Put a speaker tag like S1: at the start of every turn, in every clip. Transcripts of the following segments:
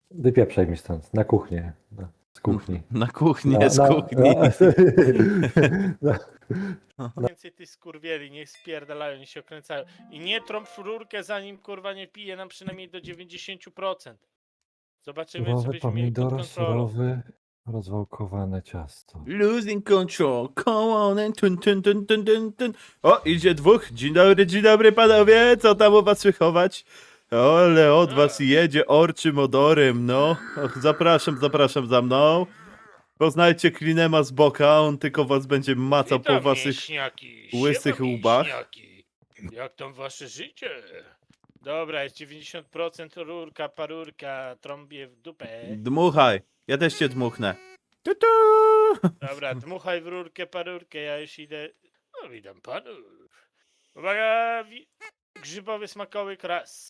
S1: Wypieprzaj mi stąd, na kuchnię. Z kuchni.
S2: Na kuchnię, z kuchni.
S3: Więcej tych skurwieli, niech spierdalają, niech się okręcają. I nie trąb w rurkę, zanim kurwa nie pije nam przynajmniej do 90%. Zobaczymy, czy
S1: Surowy
S3: byśmy mieli pod
S1: pomidor,
S3: kontrolą.
S1: surowy, rozwałkowane ciasto.
S2: Losing control, come on and tun, tun, tun, tun, tun, tun. O, idzie dwóch. Dzień dobry panowie, co tam u was słychować? Ale od was jedzie orczym odorem, no. Och, zapraszam za mną. Poznajcie Klinema z boka, on tylko was będzie macał po
S3: Witam,
S2: waszych
S3: mięśniaki,
S2: łysych
S3: siema,
S2: łbach.
S3: mięśniaki. Jak tam wasze życie? Dobra, jest 90% rurka, parurka, trąbie w dupę.
S2: Dmuchaj, ja też cię dmuchnę. Tutu!
S3: Dobra, dmuchaj w rurkę, parurkę, ja już idę. No, witam panów. Uwaga, grzybowy smakołyk raz.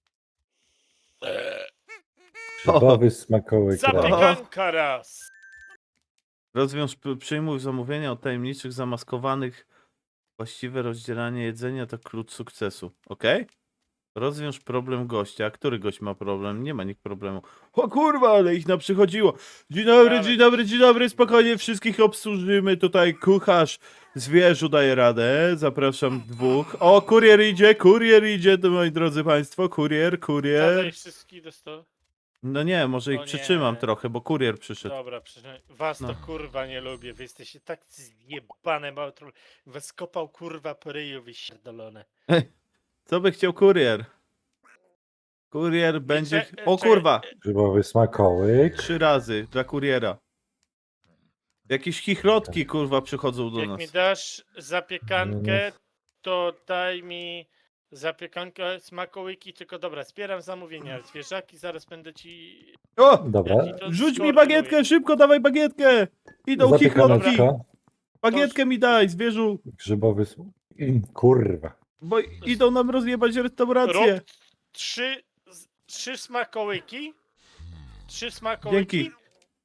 S1: Grzybowy smakołyk.
S3: Zapiekanka raz.
S2: Rozwiąż, przyjmuj zamówienia od tajemniczych, zamaskowanych. Właściwe rozdzielanie jedzenia to klucz sukcesu. Ok? Rozwiąż problem gościa. Który gość ma problem? Nie ma nikt problemu. O kurwa, ale ich naprzychodziło. Dzień dobry, spokojnie, wszystkich obsłużymy. Tutaj kucharz zwierzu daje radę. Zapraszam dwóch. O, kurier idzie, to moi drodzy państwo. Kurier.
S3: Zadaj wszystkich do stołu.
S2: No nie, może ich
S3: O nie.
S2: przytrzymam trochę, bo kurier przyszedł.
S3: Dobra, was to
S2: No.
S3: kurwa nie lubię. Wy jesteście tak zjebane, małotru. Was kopał kurwa po ryju, wysierdolone.
S2: Co by chciał kurier? Kurier będzie... O
S3: czekaj,
S2: kurwa!
S1: Grzybowy smakołyk.
S2: 3 razy dla kuriera. Jakieś chichrotki kurwa przychodzą do
S3: Jak
S2: nas.
S3: mi dasz zapiekankę, to daj mi zapiekankę, smakołyki, tylko dobra, zbieram zamówienia. Zwierzaki, zaraz będę ci...
S2: O!
S1: Dobra.
S3: ja ci to
S2: Rzuć mi
S3: skoordynuję.
S2: bagietkę, szybko dawaj bagietkę! Idą chichrotki!
S1: Zapiekaneczka.
S2: Bagietkę mi daj, zwierzu!
S1: Grzybowy Kurwa.
S2: Bo idą nam rozjebać restaurację.
S3: Rób trzy smakołyki. 3 smakołyki.
S2: Dzięki.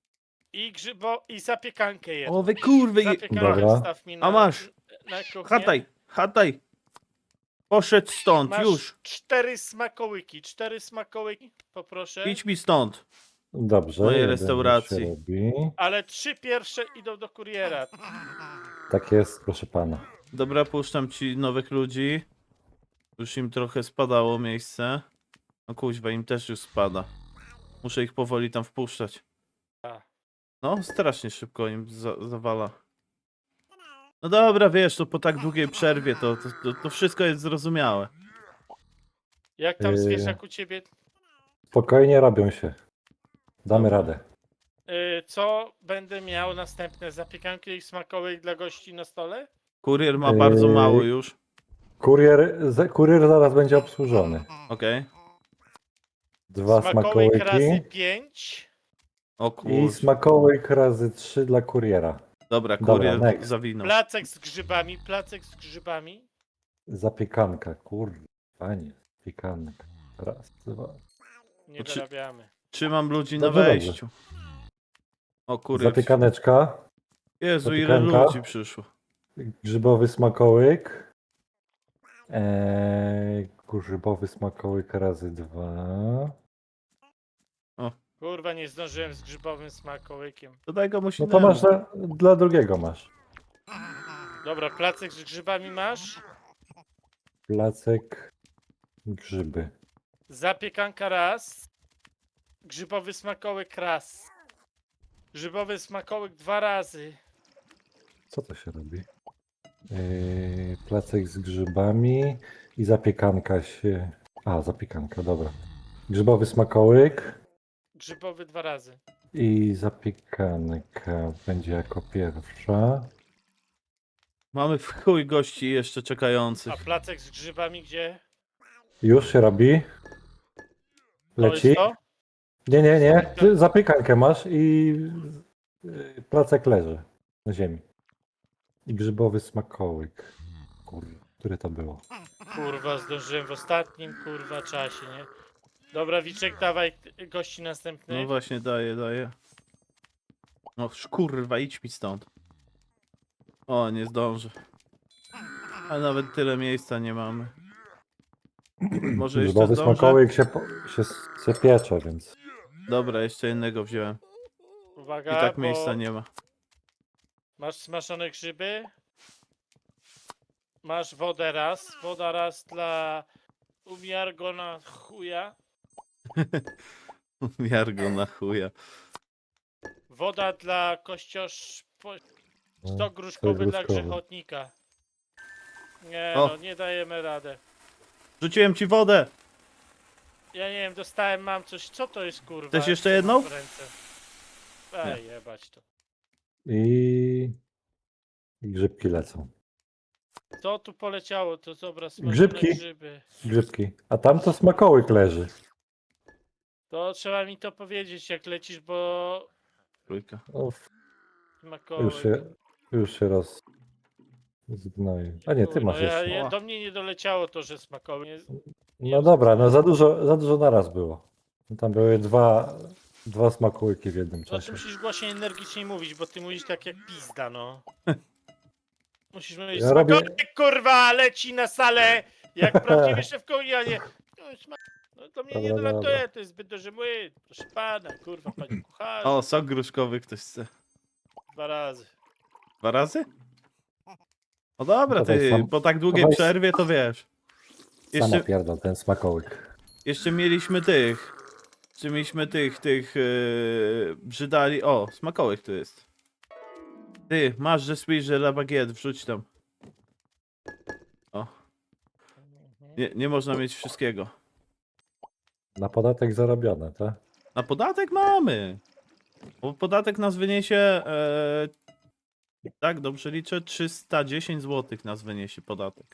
S3: I zapiekankę jedną.
S2: O wy kurwy!
S3: Zapiekankę
S1: Dobra.
S3: wstaw mi na,
S2: A masz.
S3: na kuchnię.
S2: Hataj! Poszedł stąd,
S3: Masz
S2: już!
S3: 4 smakołyki, poproszę.
S2: Idź mi stąd!
S1: Dobrze.
S2: Mojej
S1: jeden
S2: restauracji.
S1: się robi.
S3: Ale 3 pierwsze idą do kuriera.
S1: Tak jest, proszę pana.
S2: Dobra, puszczam ci nowych ludzi. Już im trochę spadało miejsce. No kuźwa, im też już spada. Muszę ich powoli tam wpuszczać.
S3: A.
S2: No, strasznie szybko im zawala. No dobra, wiesz, to po tak długiej przerwie to wszystko jest zrozumiałe.
S3: Jak tam zwierzak u ciebie?
S1: Spokojnie robią się. Damy
S2: Dobra.
S1: radę.
S3: Co będę miał następne? Zapiekanki i smakołyk dla gości na stole?
S2: Kurier ma bardzo mało już.
S1: Kurier zaraz będzie obsłużony.
S2: Okej.
S1: 2
S3: Smakołyk razy
S1: smakołyki
S3: 5.
S2: O
S1: i
S2: kur...
S1: smakołyk razy 3 dla kuriera.
S2: Dobra,
S1: Dobra,
S2: kurier
S1: next.
S2: zawinął.
S3: Placek z grzybami.
S1: Zapiekanka, kurwa, panie. Zapiekanka. Raz, dwa.
S3: Nie
S2: Czy-
S3: dorabiamy.
S2: Trzymam ludzi na
S1: Dobrze,
S2: wejściu. O kurier.
S1: Zapiekaneczka,
S2: Jezu, ile
S1: zapiekanka.
S2: ludzi przyszło.
S1: grzybowy smakołyk. Grzybowy smakołyk razy 2.
S3: Kurwa, nie zdążyłem z grzybowym smakołykiem.
S2: To daj komuś
S1: No to
S2: innemu.
S1: masz dla drugiego masz.
S3: Dobra, placek z grzybami masz?
S1: Placek, grzyby.
S3: Zapiekanka raz. Grzybowy smakołyk raz. Grzybowy smakołyk 2 razy.
S1: Co to się robi? Placek z grzybami i zapiekanka się... A, zapiekanka, dobra. Grzybowy smakołyk
S3: Grzybowy 2 razy.
S1: i zapiekanka będzie jako pierwsza.
S2: Mamy w chuj gości jeszcze
S3: A
S2: czekających.
S3: placek z grzybami gdzie?
S1: Już się robi.
S3: To
S1: Leci.
S3: jest to?
S1: Nie. Ty zapiekankę masz i placek leży na ziemi. I grzybowy smakołyk. Kurwa, które to było?
S3: Kurwa, zdążyłem w ostatnim kurwa czasie, nie? Dobra, Wiczek, dawaj gości następny.
S2: No właśnie, daję. No kurwa, idź mi stąd. O, nie zdążę. Ale nawet tyle miejsca nie mamy. Może jeszcze
S1: Grzybowy
S2: zdążę?
S1: smakołyk się piecze, więc...
S2: Dobra, jeszcze jednego wziąłem. I
S3: Uwaga,
S2: tak
S3: bo
S2: miejsca nie ma.
S3: masz smażone grzyby. Masz wodę raz. Woda raz dla umiargona chuja.
S2: Jargo na chuja.
S3: Woda dla kościosz...
S1: No,
S3: Stok gruszkowy dla
S1: gruszkowy.
S3: grzechotnika. Nie
S2: O.
S3: no, nie dajemy radę.
S2: Rzuciłem ci wodę!
S3: Ja nie wiem, dostałem, mam coś. Co to jest kurwa?
S2: Chcesz jeszcze
S3: Co mam
S2: jedną?
S3: w ręce? Ej, jebać to.
S1: I grzybki lecą.
S3: Co tu poleciało? To dobra, smażone
S1: Grzybki.
S3: grzyby.
S1: Grzybki. A tam to smakołyk leży.
S3: To trzeba mi to powiedzieć, jak lecisz, bo...
S2: Trójka.
S1: O,
S3: Smakołyk.
S1: już się zgnoił. A nie, ty
S3: Chuj,
S1: masz
S3: no
S1: jeszcze.
S3: do mnie nie doleciało to, że smakołyk. Nie
S1: No dobra, no za dużo naraz było. Tam były dwa smakołyki w jednym
S3: Znaczy
S1: czasie.
S3: musisz głośniej, energicznie mówić, bo ty mówisz tak jak pizda, no. Musisz mówić,
S1: Ja robię-
S3: smakołyk kurwa, leci na salę, jak prawdziwy szef kuchni, a nie... No to mnie nie
S1: Dobra,
S3: dolatuje,
S1: dobra.
S3: to jest zbyt duży młyn. Proszę pana, kurwa, panie kucharz.
S2: O, sok gruszkowy ktoś chce.
S3: 2 razy.
S2: 2 razy? No dobra,
S1: Dawaj
S2: ty,
S1: sam-
S2: po tak długiej
S1: dawaj
S2: przerwie to wiesz.
S1: Sama
S2: Jeszcze,
S1: pierdol ten smakołyk.
S2: jeszcze mieliśmy tych. Czy mieliśmy tych brzydali. O, smakołek tu jest. Ty, masz że sweet, że la baguette, wrzuć tam. O, nie można mieć wszystkiego.
S1: Na podatek zarobione, tak?
S2: Na podatek mamy. Bo podatek nas wyniesie. Tak, dobrze liczę. 310 zł nas wyniesie podatek.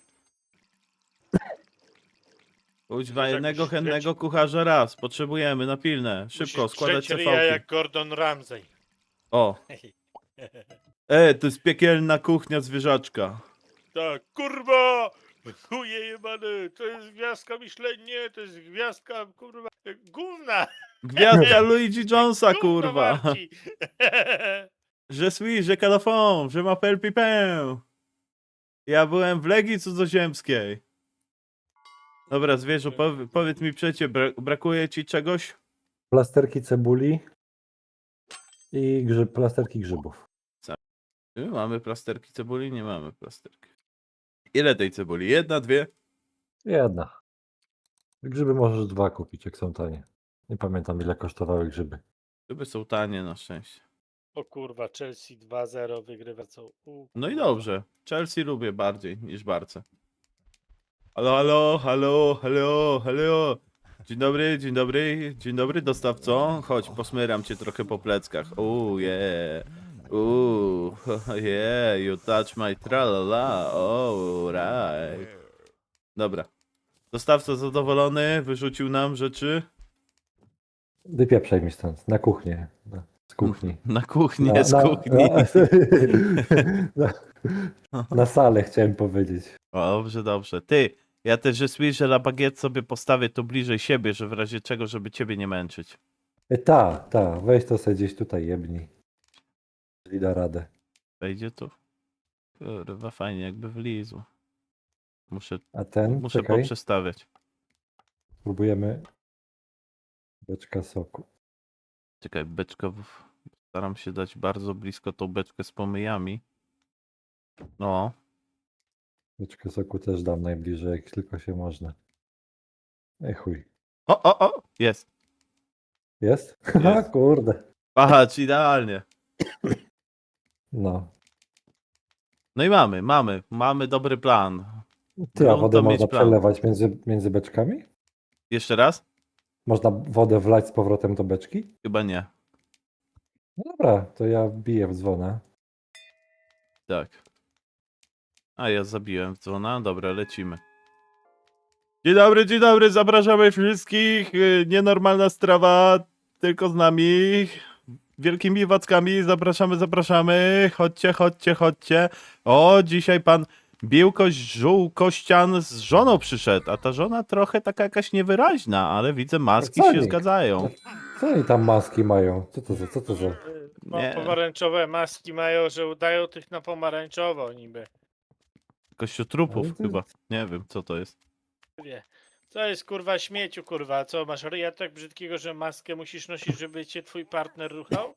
S2: Kuźwa,
S3: Musisz
S2: jednego
S3: jakoś
S2: chętnego
S3: lecieć.
S2: kucharza raz. Potrzebujemy na pilne. Szybko,
S3: Musisz
S2: składać
S3: drzeć ryja
S2: CV.
S3: jak Gordon Ramsay.
S2: O. To jest piekielna kuchnia zwierzaczka.
S3: Tak, kurwa! Chuje jebany, to jest gwiazdka Michelin, nie, to jest gwiazdka, kurwa, gówna!
S2: Gwiazdka Luigi Jonesa,
S3: Gówno
S2: kurwa.
S3: warci.
S2: Je suis, je calafon, je m'appelle Pipin. Ja byłem w Legii Cudzoziemskiej. Dobra, zwierzu, powiedz mi przecie, brakuje ci czegoś?
S1: Plasterki cebuli i plasterki grzybów.
S2: Mamy plasterki cebuli? Nie mamy plasterki. Ile tej cebuli? 1, 2?
S1: Jedna. Grzyby możesz 2 kupić, jak są tanie. Nie pamiętam, ile kosztowały grzyby.
S2: Grzyby są tanie na szczęście.
S3: O kurwa, Chelsea 2-0 wygrywa co?
S2: No i dobrze. Chelsea lubię bardziej niż Barce. Halo, halo, halo, halo, halo. Dzień dobry, dzień dobry, dzień dobry dostawco. Chodź, posmyram cię trochę po pleckach. Yeah. Yeah, you touch my tralala. Right. Dobra. Dostawca zadowolony, wyrzucił nam rzeczy.
S1: Wypieprzaj mi stąd, na kuchnię. Z kuchni.
S2: Na kuchnię, z kuchni.
S1: Na salę chciałem powiedzieć.
S2: Dobrze, dobrze. Ty, ja też że la baguette sobie postawię tu bliżej siebie, że w razie czego, żeby ciebie nie męczyć.
S1: Ta, weź to sobie gdzieś tutaj jebnij. Jeżeli da radę.
S2: Wejdzie tu? Kurwa, fajnie jakby wlizł. Muszę
S1: A ten, czekaj,
S2: poprzestawiać.
S1: spróbujemy beczka soku.
S2: Czekaj, beczka. Staram się dać bardzo blisko tą beczkę z pomyjami. No,
S1: Beczkę soku też dam najbliżej, jak tylko się można. Ej chuj.
S2: o, jest.
S1: Jest? Haha, kurde.
S2: Patrz, idealnie.
S1: No.
S2: No i mamy dobry plan.
S1: Ty, a
S2: Grunt
S1: wodę
S2: to mieć
S1: można
S2: plan.
S1: przelewać między beczkami?
S2: Jeszcze raz?
S1: Można wodę wlać z powrotem do beczki?
S2: Chyba nie.
S1: No dobra, to ja biję w dzwona.
S2: Tak. A ja zabiłem w dzwona. Dobra, lecimy. Dzień dobry, zapraszamy wszystkich. Nienormalna strawa, tylko z nami. Wielkimi wackami, zapraszamy. Chodźcie. O, dzisiaj pan Biłkoś Żółkościan z żoną przyszedł, a ta żona trochę taka jakaś niewyraźna, ale widzę maski się
S1: Wcale.
S2: zgadzają.
S1: Co oni tam maski mają? Co to za...
S2: Nie.
S3: Pomarańczowe maski mają, że udają tych na pomarańczowo niby.
S2: Kościotrupów
S1: Ale to-
S2: chyba. Nie wiem, co to jest.
S3: Wie. Co jest kurwa śmieciu, kurwa? Co, masz ryja tak brzydkiego, że maskę musisz nosić, żeby cię twój partner ruchał?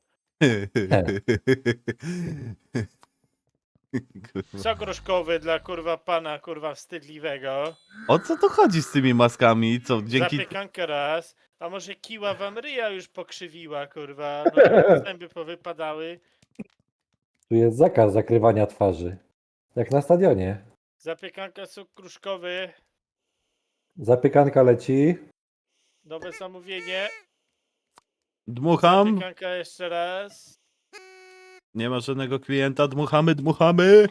S3: Sok różkowy dla kurwa pana, kurwa wstydliwego.
S2: O co tu chodzi z tymi maskami? Co, dzięki...
S3: Zapiekankę raz. A może kiła wam ryja już pokrzywiła, kurwa? No, zęby powypadały.
S1: Tu jest zakaz zakrywania twarzy. Jak na stadionie.
S3: Zapiekanka sok kruszkowy.
S1: Zapiekanka leci.
S3: Nowe zamówienie.
S2: Dmucham.
S3: Zapiekanka jeszcze raz.
S2: Nie ma żadnego klienta. Dmuchamy, dmuchamy.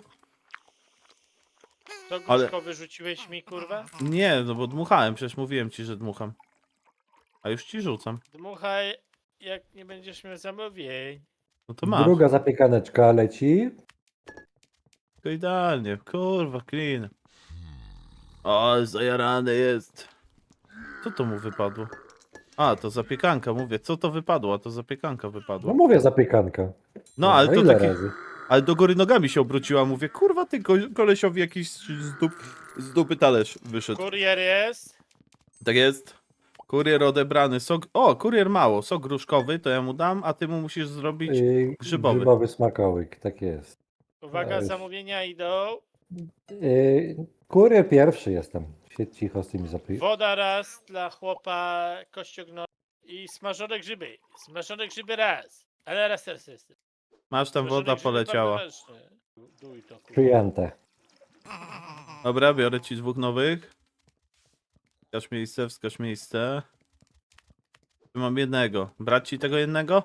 S3: Sok
S2: Ale-
S3: kruszkowy rzuciłeś mi, kurwa?
S2: Nie, no bo dmuchałem. Przecież mówiłem ci, że dmucham. A już ci rzucam.
S3: Dmuchaj, jak nie będziesz miał zamówień.
S2: No to masz.
S1: Druga zapiekaneczka leci.
S2: To idealnie. Kurwa, clean. O, zajarany jest. Co to mu wypadło? A, to zapiekanka, mówię. Co to wypadło? A to zapiekanka wypadła.
S1: No mówię zapiekanka.
S2: No, ale to
S1: ile
S2: takie...
S1: razy?
S2: Ale do góry nogami się obróciła. Mówię, kurwa, ty kolesiowi jakiś z dupy talerz wyszedł.
S3: Kurier jest.
S2: Tak jest. Kurier odebrany. Sok... O, kurier mało. Sok gruszkowy, to ja mu dam, a ty mu musisz zrobić... grzybowy.
S1: Grzybowy smakołyk, tak jest.
S3: Uwaga,
S1: już.
S3: zamówienia idą.
S1: Kurier pierwszy jestem. Siedź cicho z tymi
S3: Woda raz dla chłopa kościogno i smażone grzyby. Smażone grzyby raz. Ale raz też jest.
S2: Masz tam
S3: Smażone
S2: woda
S3: grzyby
S2: poleciała.
S3: bardzo ważne. Duj to, kurwa.
S1: Przyjęte.
S2: Dobra, biorę ci 2 nowych. Wskaż miejsce. Tu mam jednego. Brać ci tego jednego?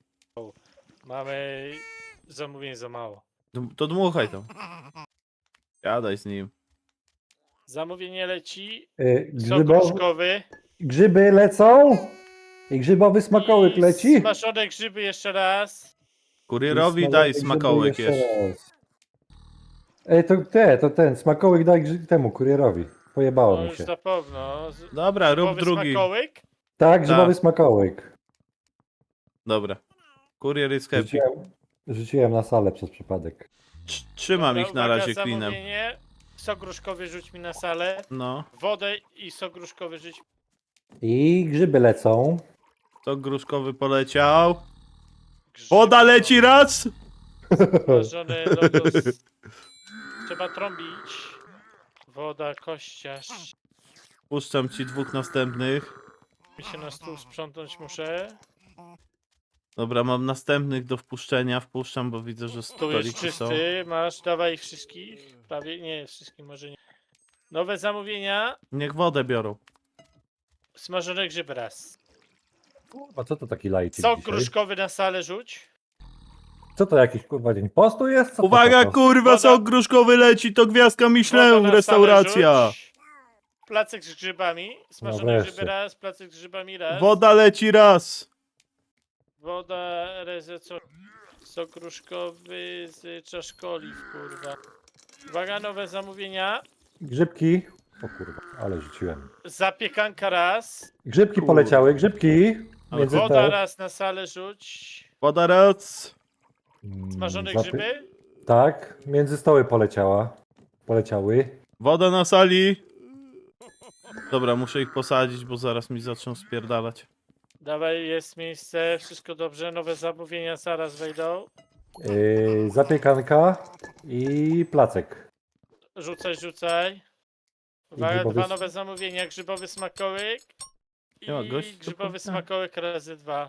S3: Mamy zamówień za mało.
S2: To dmuchaj to. Jadaj z nim.
S3: Zamówienie leci. Sok
S1: Grzybowy,
S3: gruszkowy.
S1: grzyby lecą. I grzybowy smakołyk
S3: i
S1: leci.
S3: Smażone grzyby jeszcze raz.
S2: Kurierowi
S1: I
S2: daj
S1: grzyby
S2: smakołyk
S1: jeszcze
S2: jeszcze.
S1: raz. to ten smakołyk daj temu kurierowi. Pojebało
S3: No
S1: mi
S3: już
S1: się.
S3: na pewno.
S2: Dobra, rób
S3: Grzybowy
S2: drugi.
S3: smakołyk.
S1: Tak, grzybowy
S2: Tak.
S1: smakołyk.
S2: Dobra. Kurier jest happy.
S1: Rzuciłem na salę przez przypadek.
S2: Trzymam
S3: Dobra,
S2: ich na
S3: uwaga,
S2: razie cleanem.
S3: zamówienie. Sok gruszkowy rzuć mi na salę.
S2: No.
S3: Wodę i sok gruszkowy rzuć.
S1: I grzyby lecą.
S2: To gruszkowy poleciał.
S3: Grzyby
S2: Woda leci raz!
S3: Smażone logos. Trzeba trąbić. Woda, kościarz.
S2: Puszczam ci 2 następnych.
S3: Mi się na stół sprzątnąć muszę.
S2: Dobra, mam następnych do wpuszczenia. Wpuszczam, bo widzę, że
S3: Tu jest
S2: stoliki są.
S3: czysty. Masz, dawaj ich wszystkich. Prawie, nie, wszystkich może nie. Nowe zamówienia.
S2: Niech wodę biorą.
S3: Smażone grzyby raz.
S1: A co to taki lajcik
S3: Sok
S1: dzisiaj?
S3: gruszkowy na salę rzuć.
S1: Co to jakiś kurwa dzień postu jest? Co to
S2: Uwaga,
S1: to?
S2: kurwa,
S3: Woda-
S2: sok gruszkowy leci, to gwiazdka
S3: Woda
S2: Michelin,
S3: na
S2: restauracja.
S3: salę rzuć. Placek z grzybami. Smażone
S1: wreszcie.
S3: grzyby raz, placek z grzybami raz.
S2: Woda leci raz.
S3: Woda, sok gruszkowy z czaszkoliw, kurwa. Uwaga, nowe zamówienia.
S1: Grzybki. O kurwa, ale rzuciłem.
S3: Zapiekanka raz.
S1: Grzybki
S2: Kurwa.
S1: poleciały, grzybki.
S2: Ale
S1: Między
S3: Woda
S1: te.
S3: raz na salę rzuć.
S2: Woda raz.
S3: Smażone
S1: Zapy-
S3: grzyby.
S1: Tak, między stoły poleciały.
S2: Woda na sali. Dobra, muszę ich posadzić, bo zaraz mi zaczną spierdalać.
S3: Dawaj, jest miejsce, wszystko dobrze. Nowe zamówienia zaraz wejdą.
S1: Zapiekanka i placek.
S3: Rzucaj. Uwaga,
S1: grzybowy
S3: dwa
S1: s-
S3: nowe zamówienia. Grzybowy smakołyk
S2: Nie ma
S3: i
S2: gości, to
S3: grzybowy
S2: powinna-
S3: smakołyk razy 2.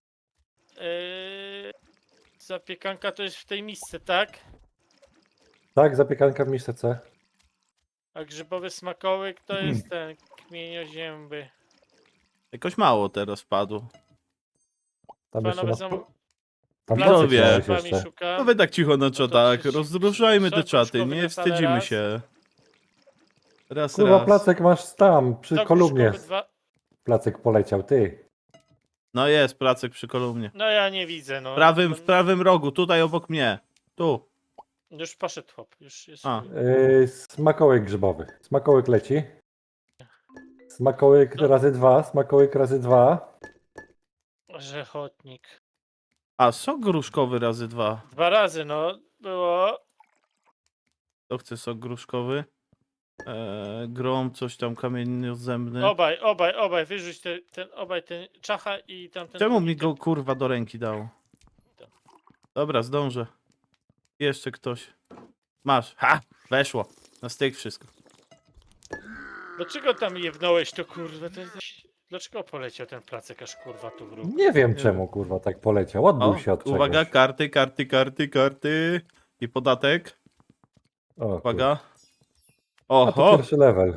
S3: Zapiekanka to jest w tej misce, tak?
S1: Tak, zapiekanka w misce.
S3: A grzybowy smakołyk to jest ten kmieniozięby.
S2: Jakoś mało teraz wpadło.
S1: Tam
S3: Dwa
S1: jeszcze
S3: nowe
S1: na...
S3: zamówienia.
S1: Tam
S2: Widzowie.
S1: placek miałeś
S3: Grzybami
S1: jeszcze.
S3: szukam.
S2: No wy tak cicho na czatach,
S3: przecież-
S2: rozruszajmy te
S3: sok
S2: czaty,
S3: gruszkowy
S2: nie
S3: na salę
S2: wstydzimy
S3: raz.
S2: się. Raz,
S1: Kurwa,
S2: raz.
S1: placek masz tam, przy
S3: Sok
S1: kolumnie.
S3: gruszkowy dwa.
S1: Placek poleciał, ty.
S2: No jest, placek przy kolumnie.
S3: No ja nie widzę, no.
S2: W prawym rogu, tutaj obok mnie. Tu.
S3: Już poszedł chłop, już jest.
S2: A.
S1: Smakołyk grzybowy. Smakołyk leci. Smakołyk
S3: No.
S1: razy 2, smakołyk razy 2.
S3: Rzechotnik.
S2: A, sok gruszkowy razy 2.
S3: 2 razy, no. Było.
S2: To chce sok gruszkowy. Grom, coś tam kamienno-zębny.
S3: Obaj, wyrzuć ten czacha i tamten
S2: Czemu
S3: drugi,
S2: mi go kurwa do ręki dało? Dobra, zdążę. Jeszcze ktoś. Masz. Ha! Weszło. Na styk wszystko.
S3: Dlaczego tam jebnąłeś to kurwa? Dlaczego poleciał ten placek aż kurwa tu w ruch?
S1: Nie wiem
S2: Nie
S1: czemu, kurwa, tak poleciał. Odbił
S2: O,
S1: się od
S2: uwaga,
S1: czegoś.
S2: karty. I podatek.
S1: O,
S2: Uwaga.
S1: A to
S2: Oho!
S1: pierwszy level.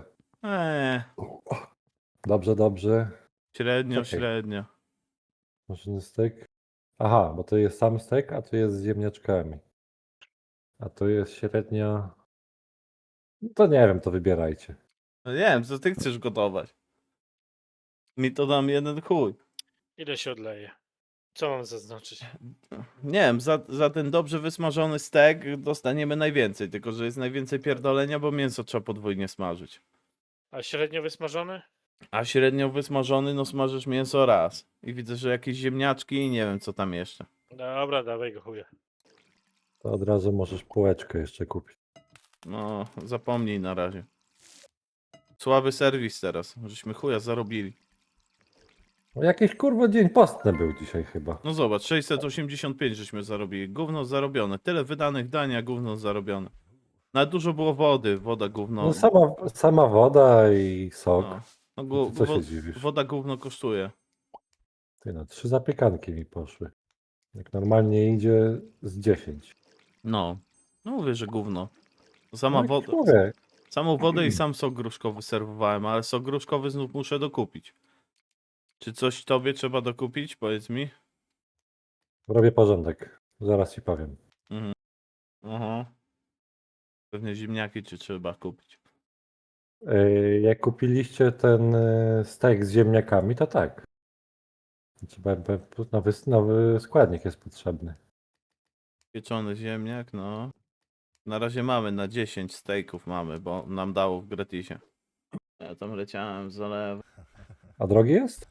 S1: Dobrze.
S2: Średnio,
S1: Czekaj.
S2: średnio.
S1: Maszynny steak. Aha, bo to jest sam steak, a tu jest z ziemniaczkami. A tu jest średnia. No to nie wiem, to wybierajcie.
S2: No nie wiem, co ty chcesz gotować? Mi to dam jeden chuj.
S3: Ile się odleje? Co mam zaznaczyć?
S2: Nie wiem, za ten dobrze wysmażony stek dostaniemy najwięcej, tylko że jest najwięcej pierdolenia, bo mięso trzeba podwójnie smażyć.
S3: A średnio wysmażony?
S2: A średnio wysmażony, no smażysz mięso raz. I widzę, że jakieś ziemniaczki i nie wiem co tam jeszcze.
S3: Dobra, dawaj go chuja.
S1: To od razu możesz półeczkę jeszcze kupić.
S2: No, zapomnij na razie. Słaby serwis teraz, żeśmy chuja zarobili.
S1: No jakiś kurwa dzień postny był dzisiaj chyba.
S2: No zobacz, 685 żeśmy zarobili. Gówno zarobione. Tyle wydanych dań, a gówno zarobione. Na dużo było wody, woda gówno.
S1: No sama woda i sok.
S2: No, no
S1: To co się dziwisz?
S2: woda gówno kosztuje.
S1: Ty no, 3 zapiekanki mi poszły. Jak normalnie idzie z 10.
S2: No, no mówię, że gówno.
S1: No,
S2: Sama
S1: jak
S2: woda,
S1: mówię,
S2: samą wodę i sam sok gruszkowy serwowałem, ale sok gruszkowy znów muszę dokupić. Czy coś tobie trzeba dokupić? Powiedz mi.
S1: robię porządek. Zaraz ci powiem.
S2: Aha. Pewnie ziemniaki czy trzeba kupić.
S1: Jak kupiliście ten steak z ziemniakami, to tak. Trzeba, nowy składnik jest potrzebny.
S2: Pieczony ziemniak, no. Na razie mamy, na 10 steaków mamy, bo nam dało w gratisie. Ja tam leciałem z zalewu.
S1: A drogi jest?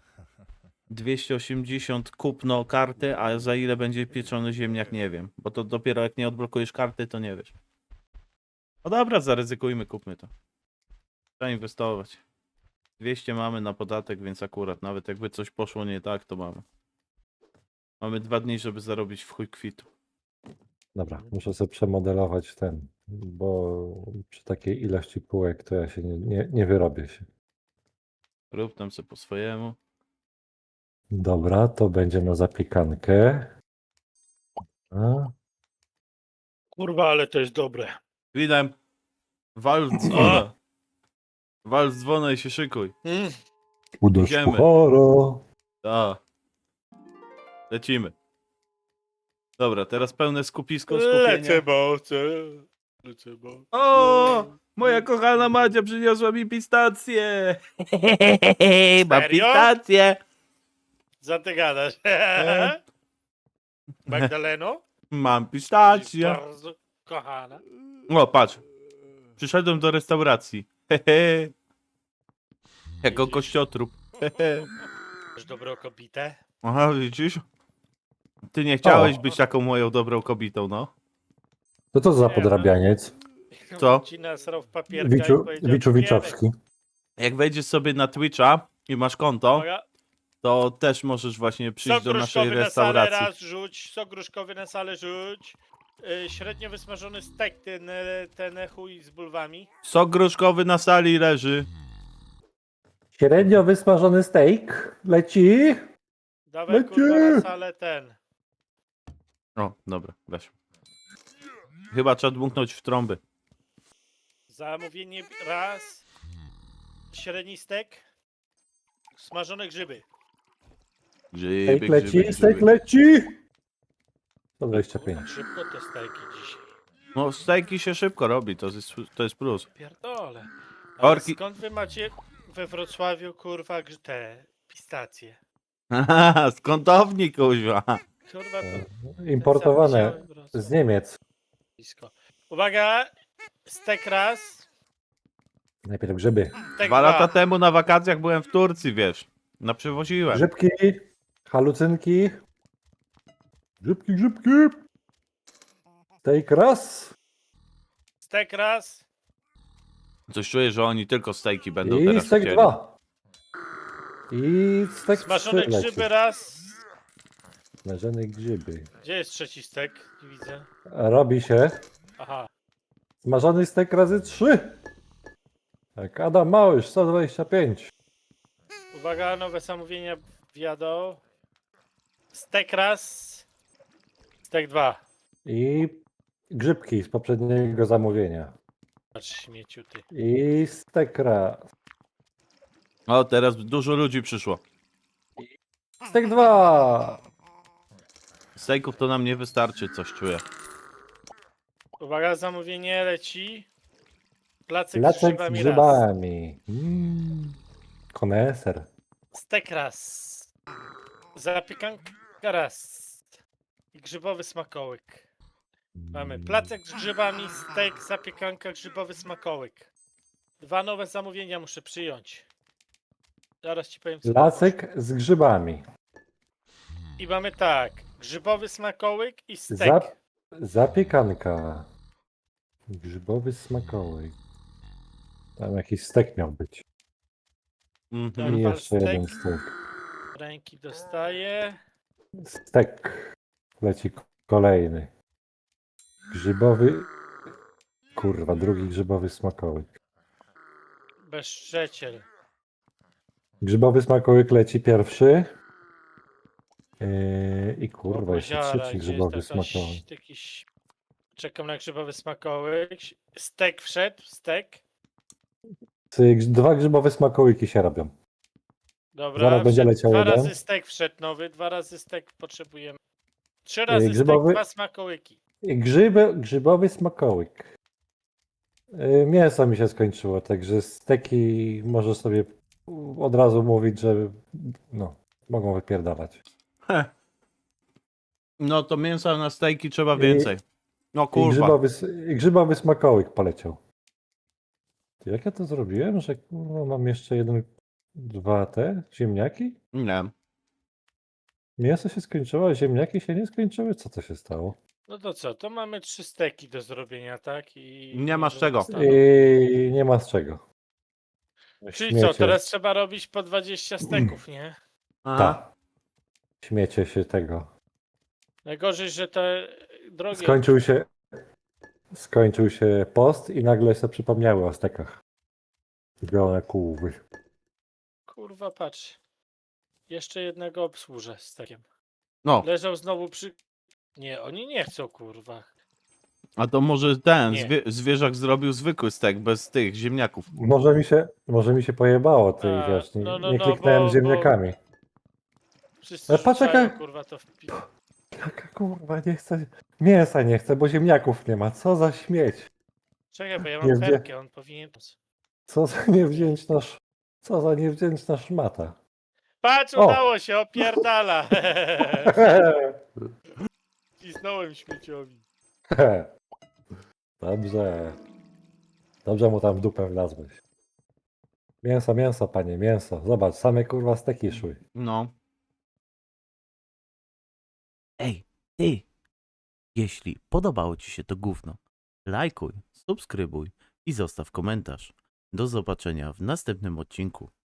S2: 280 kupno karty, a za ile będzie pieczony ziemniak nie wiem. Bo to dopiero jak nie odblokujesz karty, to nie wiesz. No dobra, zaryzykujmy, kupmy to. Trzeba inwestować. 200 mamy na podatek, więc akurat nawet jakby coś poszło nie tak, to mamy. Mamy 2 dni, żeby zarobić w chuj kwitu.
S1: Dobra, muszę sobie przemodelować ten, bo przy takiej ilości półek to ja się nie wyrobię się.
S2: Rób tam sobie po swojemu.
S1: Dobra, to będzie na zapiekankę. A,
S3: Kurwa, ale to jest dobre.
S2: Widem. Wal z dzwona. Wal z dzwona i się szykuj.
S1: uderz
S2: Idziemy.
S1: puchara.
S2: Da. Lecimy. Dobra, teraz pełne skupienia.
S3: Lecę, bo.
S2: O! Moja kochana Madzia przyniosła mi pistację. Mam
S3: Serio?
S2: pistację.
S3: Co ty gadasz? Magdaleno?
S2: Mam pistację.
S3: Bardzo kochana.
S2: O, patrz. Przyszedłem do restauracji. Hehe. Jako kościotrup. Hehe.
S3: Masz dobrą kobietę?
S2: Aha, widzisz? Ty nie chciałeś
S1: O.
S2: być taką moją dobrą kobietą, no.
S1: To co za
S3: Nie,
S1: podrabianiec?
S2: Co?
S3: Ci nasrał w papierka i
S1: Wiczu,
S3: powiedział,
S1: Wiczu
S3: "Cukierek".
S1: Wiczowski.
S2: Jak wejdziesz sobie na Twitcha i masz konto,
S3: Uwaga.
S2: to też możesz właśnie przyjść
S3: Sok
S2: do naszej
S3: gruszkowy na salę
S2: restauracji.
S3: raz rzuć, sok gruszkowy na salę rzuć. Średnio wysmażony stek, ten chuj z bulwami.
S2: Sok gruszkowy na sali leży.
S1: Średnio wysmażony steak. Leci.
S3: Dawaj
S1: Leci!
S3: kurwa na salę ten.
S2: O, dobra, weź. Chyba trzeba dmuchnąć w trąby.
S3: Zamówienie raz. Średni stek. Smażone grzyby.
S2: Grzyby,
S1: Steak leci,
S2: grzyby,
S1: steak
S2: grzyby.
S1: leci. 125.
S3: Kurwa, szybko te steki dzisiaj.
S2: No, stejki się szybko robi, to jest plus.
S3: Pierdole. Ale
S2: Orki-
S3: skąd wy macie we Wrocławiu kurwa te pistacje?
S2: Haha, skątownik, kuźwa.
S3: Kurwa to
S1: Importowane
S3: cały Wrocław.
S1: z Niemiec.
S3: Blisko. Uwaga, stek raz.
S1: Najpierw grzyby.
S3: Stek
S2: 2 lata
S3: dwa.
S2: temu na wakacjach byłem w Turcji, wiesz. Naprzywoziłem.
S1: Grzybki, halucynki. Grzybki. Steak raz.
S3: Stek raz.
S2: Coś czuję, że oni tylko stejki będą
S1: I
S2: teraz
S1: stek
S2: chcieli.
S1: 2. I stek 3
S3: Smażone
S1: leci.
S3: grzyby raz.
S1: Smażone grzyby.
S3: Gdzie jest trzeci stek? Nie widzę.
S1: Robi się.
S3: Aha.
S1: Smażony stek razy 3. Tak, Adam Małysz, 125.
S3: Uwaga, nowe zamówienia wjadą. Stek raz. Stek 2.
S1: I grzybki z poprzedniego zamówienia.
S3: Patrz śmieciu ty.
S1: I stek raz.
S2: O, teraz dużo ludzi przyszło.
S1: Stek 2.
S2: Stejków to nam nie wystarczy, coś czuję.
S3: Uwaga, zamówienie leci. Placek z
S1: Placek z
S3: grzybami raz.
S1: grzybami. Koneser.
S3: Stek raz. Zapiekanka raz. I grzybowy smakołyk. Mamy placek z grzybami, stek, zapiekanka, grzybowy smakołyk. 2 nowe zamówienia muszę przyjąć. Zaraz ci powiem co.
S1: Placek z grzybami.
S3: I mamy tak. Grzybowy smakołyk i stek.
S1: Zapiekanka. Grzybowy smakołyk. Tam jakiś stek miał być.
S2: Mhm.
S1: I
S3: Wal
S1: jeszcze
S3: stek.
S1: jeden stek.
S3: Ręki dostaję.
S1: Stek. Leci kolejny. Grzybowy. Kurwa, drugi grzybowy smakołyk.
S3: Bezszczeciel.
S1: Grzybowy smakołyk leci pierwszy. I kurwa, jeszcze
S3: Boziara,
S1: trzeci
S3: gdzie
S1: grzybowy
S3: jest jakaś-
S1: smakołyk.
S3: jakiś... Czekam na grzybowy smakołyk. Stek wszedł, stek.
S1: 2 grzybowe smakołyki się robią.
S3: Dobra,
S1: Zaraz będzie
S3: wszedł,
S1: leciał
S3: 2
S1: jeden.
S3: razy stek wszedł nowy, 2 razy stek potrzebujemy. 3 razy
S1: grzybowy-
S3: stek, 2 smakołyki.
S1: I grzybowy smakołyk. Mięso mi się skończyło, także steki może sobie od razu mówić, że no, mogą wypierdalać.
S2: No to mięsa na stejki trzeba
S1: I-
S2: więcej. No
S1: I
S2: kurwa.
S1: grzybowy smakołyk poleciał. Ty, jak ja to zrobiłem, że kurwa, mam jeszcze 2 te ziemniaki?
S2: Nie.
S1: Mięso się skończyło, a ziemniaki się nie skończyły? Co to się stało?
S3: No to co, to mamy 3 steki do zrobienia, tak? I
S2: Nie masz czego.
S3: zostaną.
S1: I nie ma z czego.
S3: Czyli co, teraz trzeba robić po 20 steków, nie?
S2: Aha.
S1: Tak. Śmiecie się tego.
S3: Najgorzej, że te drogie...
S1: Skończył się post i nagle sobie przypomniały o stekach. Białe kółwy.
S3: Kurwa, patrz. Jeszcze jednego obsłużę z takiem.
S2: No,
S3: Leżał znowu przy... Nie, oni nie chcą, kurwa.
S2: a to może ten
S3: Nie.
S2: zwierzak zrobił zwykły stek bez tych ziemniaków.
S1: Może mi się pojebało, ty
S3: A,
S1: wiesz, nie,
S3: no,
S1: nie kliknąłem
S3: bo-
S1: ziemniakami.
S3: Wszyscy
S1: Ale patrz,
S3: rzucają,
S1: jaka-
S3: kurwa, to w pi...
S1: Jaka kurwa, nie chcę. Mięsa nie chcę, bo ziemniaków nie ma. Co za śmieć.
S3: Czekaj, bo ja
S1: Nie
S3: mam
S1: wie-
S3: perkę, on powinien...
S1: Co za niewdzięczna Co za niewdzięczna szmata.
S3: Patrz,
S1: O!
S3: udało się, opierdala! Cisnąłem śmieciowi.
S1: Dobrze. Dobrze mu tam w dupę wlazłeś. Mięso, panie, mięso. Zobacz, same kurwa steki szły.
S2: No. Ej, ty! Jeśli podobało ci się to gówno, lajkuj, subskrybuj i zostaw komentarz. Do zobaczenia w następnym odcinku.